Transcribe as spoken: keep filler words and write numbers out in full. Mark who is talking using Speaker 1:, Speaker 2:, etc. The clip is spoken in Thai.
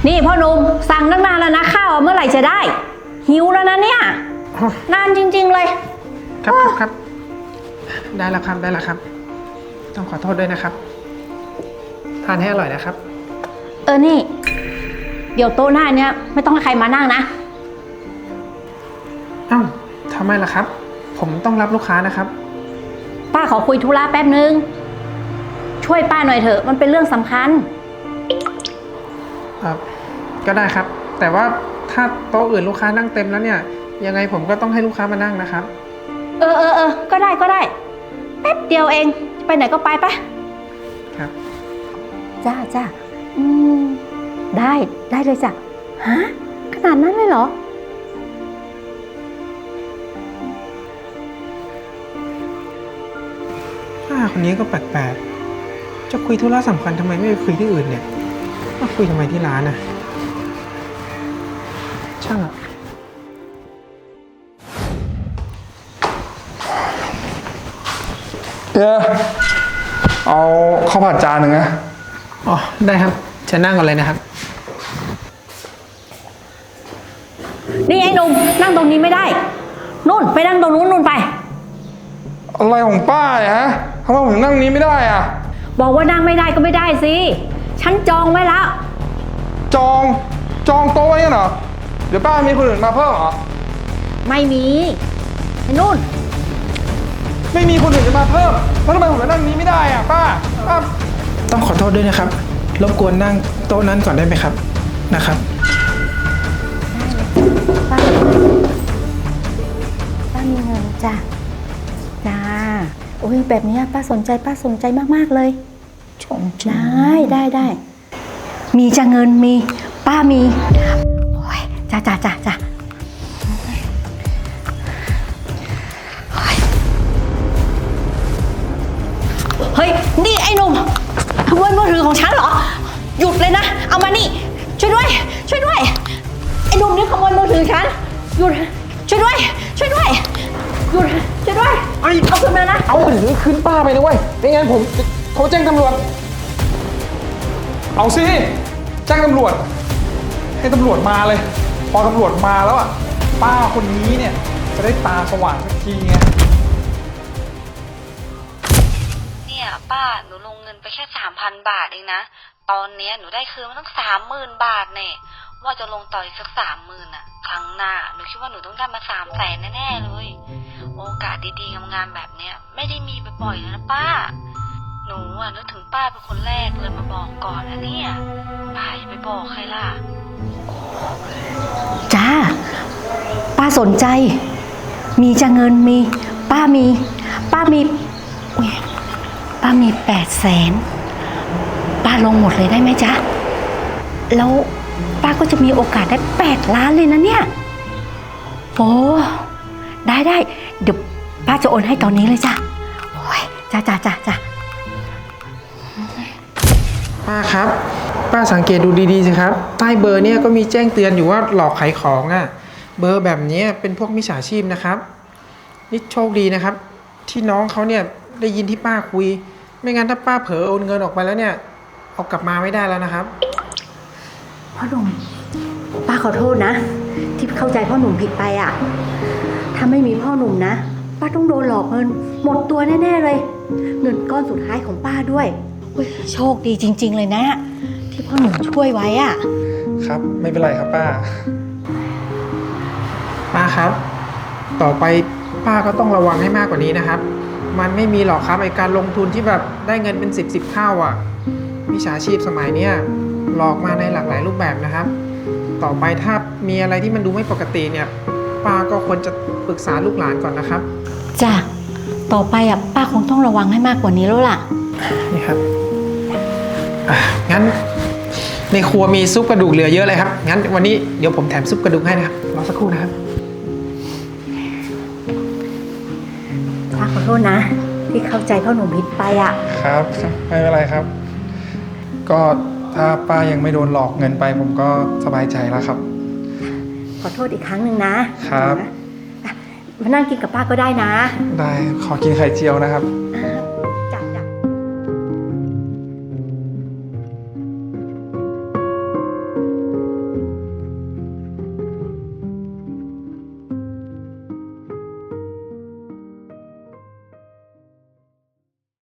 Speaker 1: นี่พ่อหนุ่มสั่งตั้งนานแล้วนะข้าวเมื่อไหร่จะได้หิวแล้วนะเนี่ยนานจริงๆเลย
Speaker 2: ครับครับครับได้แล้วครับได้แล้วครับต้องขอโทษด้วยนะครับทานให้อร่อยนะครับ
Speaker 1: เออนี่เดี๋ยวโต๊ะหน้าเนี้ยไม่ต้องให้ใครมานั่งนะ
Speaker 2: อ้าวทำไมล่ะครับผมต้องรับลูกค้านะครับ
Speaker 1: ป้าขอคุยธุระแป๊บนึงช่วยป้าหน่อยเถอะมันเป็นเรื่องสำคัญ
Speaker 2: ครับก็ได้ครับแต่ว่าถ้าโต๊ะอื่นลูกค้านั่งเต็มแล้วเนี่ยยังไงผมก็ต้องให้ลูกค้ามานั่งนะครับ
Speaker 1: เออเออเออก็ได้ก็ได้แป๊บเดียวเองไปไหนก็ไปไป
Speaker 2: ครับ
Speaker 1: จ้าจ้าอืมได้ได้เลยจ้ะฮะขนาดนั้นเลยเหรอ
Speaker 2: ป้าคนนี้ก็แปลกๆจะคุยธุระสำคัญทำไมไม่ไปคุยที่อื่นเนี่ยมาคุยทำไมที่ร้านน่ะช่างอะ
Speaker 3: เออเอาข้าวผัดจานหนึ่งนะ
Speaker 2: อ๋อได้ครับจะนั่งกันเลยนะครับ
Speaker 1: นี่ไอ้หนุ่มนั่งตรงนี้ไม่ได้นู่นไปนั่งตรงนู้นนู่นไป
Speaker 3: อะไรของป้าเนี่ยฮะทำไมผมถึงนั่งนี้ไม่ได้อ่ะ
Speaker 1: บอกว่านั่งไม่ได้ก็ไม่ได้สิฉันจองไว้แล้ว
Speaker 3: จองจองโต๊ะไว้เหรอเดี๋ยวป้ามีคนอื่นมาเพิ่มเหรอ
Speaker 1: ไม่มีไอ้นู่น
Speaker 3: ไม่มีคนอื่นจะมาเพิ่มแล้วทำไมผมจะนั่งนี้ไม่ได้อ่ะป้าป้า
Speaker 2: ต้องขอโทษด้วยนะครับรบกวนนั่งโต๊ะนั้นก่อนได้ไหมครับนะครับ
Speaker 1: ป้าป้ามีเงินจ้ะจ้าโอ้ยแบบนี้ป้าสนใจป้าสนใจมากๆเลยชมได้ได้ได้มีจะเงินมีป้ามีโอ้ยจ้าจ้าจ้าจ้าเฮ้ยนี่ไอ้หนุ่มขโมยมือถือของฉันเหรอหยุดเลยนะเอามานี่ช่วยด้วยช่วยด้วยไอ้หนุ่มนี่ขโมยมือถือฉันหยุดช่วยด้วยช่วยด้วยหยุดช่วยด้วยเอาขึ้นมานะ
Speaker 3: เอาถือขึ้นป้าไปนะเว้ยไม่งั้นผมโทรแจ้งตำรวจเอาสิแจ้งตำรวจให้ตำรวจมาเลยพอตำรวจมาแล้วอ่ะป้าคนนี้เนี่ยจะได้ตาสว่างสักทีไง
Speaker 4: เนี่ยป้าหนูลงเงินไปแค่สามพันบาทเองนะตอนเนี้ยหนูได้คืนมาตั้งสามหมื่นบาทเนี่ยว่าจะลงต่ออีกสักสามหมื่นอ่ะครั้งหน้าหนูคิดว่าหนูต้องได้มาสามแสนแน่ๆเลยโอกาสดีๆงามๆแบบเนี้ยไม่ได้มีบ่อยๆนะป้าหนูอ่ะนึกถึงป้าเป็นคนแรกเลยมาบอกก่อนนะเนี่ยป้าอย่าไปบอกใครล่ะ
Speaker 1: จ้าป้าสนใจมีจะเงินมีป้ามีป้ามีป้ามีแปดแสนป้าลงหมดเลยได้ไหมจ๊ะแล้วป้าก็จะมีโอกาสได้แปดล้านเลยนะเนี่ยโอ้ได้ได้เดี๋ยวป้าจะโอนให้ตอนนี้เลยจ้ะโอ้ยจ้าจ้าจ้าจ้า
Speaker 2: ป้าครับป้าสังเกตดูดีๆสิครับใต้เบอร์เนี่ยก็มีแจ้งเตือนอยู่ว่าหลอกขายของอ่ะเบอร์แบบนี้เป็นพวกมิจฉาชีพนะครับนี่โชคดีนะครับที่น้องเขาเนี่ยได้ยินที่ป้าคุยไม่งั้นถ้าป้าเผลอโอนเงินออกไปแล้วเนี่ยเอากลับมาไม่ได้แล้วนะครับ
Speaker 1: พ่อหนุ่มป้าขอโทษนะที่เข้าใจพ่อหนุ่มผิดไปอ่ะถ้าไม่มีพ่อหนุ่มนะป้าต้องโดนหลอกเงินหมดตัวแน่ๆเลยเงินก้อนสุดท้ายของป้าด้วยโชคดีจริงๆเลยนะที่พ่อหนุ่มช่วยไว้อ่ะ
Speaker 3: ครับไม่เป็นไรครับป้า
Speaker 2: ป้าครับต่อไปป้าก็ต้องระวังให้มากกว่านี้นะครับมันไม่มีหรอกครับไอการลงทุนที่แบบได้เงินเป็นสิบสิบเท่าอ่ะมิจฉาชีพสมัยเนี้ยหลอกมาในหลากหลายรูปแบบนะครับต่อไปถ้ามีอะไรที่มันดูไม่ปกติเนี่ยป้าก็ควรจะปรึกษาลูกหลานก่อนนะครับ
Speaker 1: จ้ะต่อไปอ่ะป้าคงต้องระวังให้มากกว่านี้แล้วล่ะ
Speaker 2: นี่ครับอ่ะงั้นในครัวมีซุปกระดูกเหลือเยอะเลยครับงั้นวันนี้เดี๋ยวผมแถมซุปกระดูกให้นะครับรอสักครู่นะครับ
Speaker 1: ป้าขอโทษนะที่เข้าใจพ่อหนุ่มผิดไปอ่ะ
Speaker 3: ครับไม่เป็นไรครับก็ถ้าป้ายังไม่โดนหลอกเงินไปผมก็สบายใจแล้วครับ
Speaker 1: ขอโทษอีกครั้งหนึ่งนะครับมานั่งกินกับป้าก็ได้นะ
Speaker 3: ได้ขอกินไข่เจียวนะครับ